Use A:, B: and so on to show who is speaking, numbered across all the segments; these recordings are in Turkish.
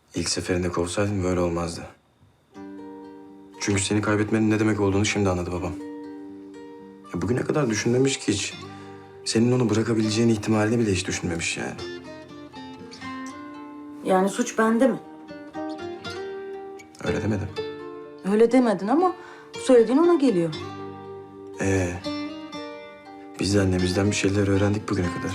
A: İlk seferinde kovsaydın böyle olmazdı. Çünkü seni kaybetmenin ne demek olduğunu şimdi anladı babam. Ya bugüne kadar düşünmemiş ki hiç. Senin onu bırakabileceğin ihtimalini bile hiç düşünmemiş yani.
B: Yani suç bende mi?
A: Öyle demedim.
B: Öyle demedin ama söylediğin ona geliyor.
A: Ee, biz de annemizden bir şeyler öğrendik bugüne kadar.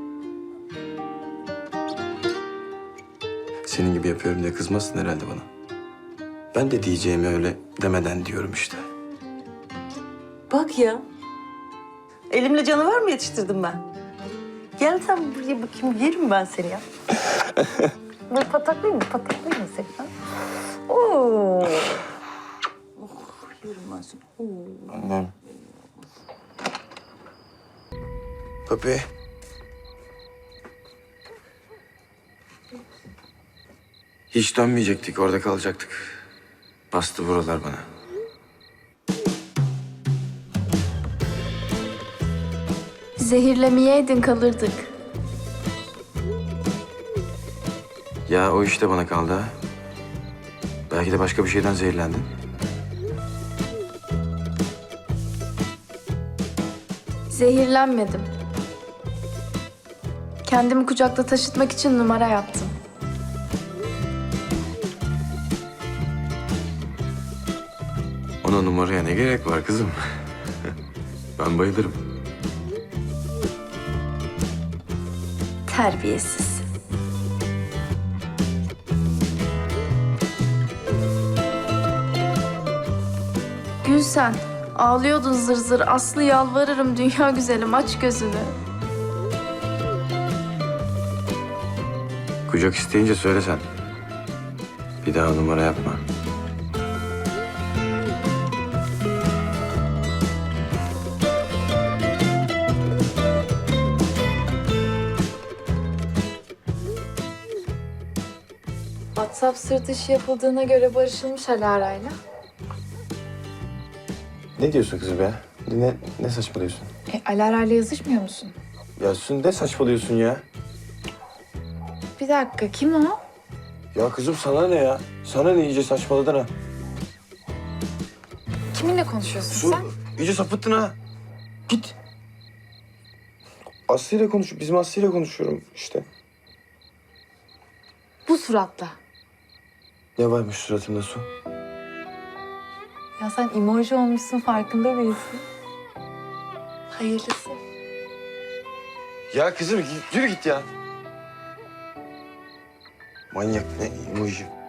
A: Senin gibi yapıyorum diye kızmasın herhalde bana. Ben de diyeceğimi öyle demeden diyorum işte.
B: Bak ya. Elimle canavar mı yetiştirdim ben? Gel sen buraya bakayım, yerim ben seni ya. Böyle pataklayayım mı? Pataklayayım mı seni? Ha? Oo. Oh, yerim ben seni. Oo.
A: Annem. Papi. Hiç dönmeyecektik, orada kalacaktık. Bastı buralar bana.
C: Zehirlemeyeydin kalırdık.
A: Ya o işte bana kaldı ha. Belki de başka bir şeyden zehirlendin.
C: Zehirlenmedim. Kendimi kucakta taşıtmak için numara yaptım.
A: Ona numaraya ne gerek var kızım? Ben bayılırım.
C: Terbiyesiz. Gülsen, ağlıyordun zır zır. Aslı yalvarırım dünya güzelim, aç gözünü.
A: Kucak isteyince söylesen. Bir daha numara yapma.
C: WhatsApp sırt dışı yapıldığına göre barışılmış Alara'yla.
A: Ne diyorsun kızım ya? Ne saçmalıyorsun?
D: Alara'yla yazışmıyor musun?
A: Ya Sun ne saçmalıyorsun ya?
D: Bir dakika, kim o?
A: Ya kızım sana ne ya? Sana ne iyice saçmaladın ha?
D: Kiminle konuşuyorsun
A: Sun
D: sen?
A: iyice sapıttın ha. Git. Aslı'yla konuş. Bizim Aslı'yla konuşuyorum işte.
D: Bu suratla.
A: Ne varmış suratında Su?
D: Ya sen emoji olmuşsun, farkında değilsin. Hayırlısı.
A: Ya kızım yürü git ya. Manyak ne emoji.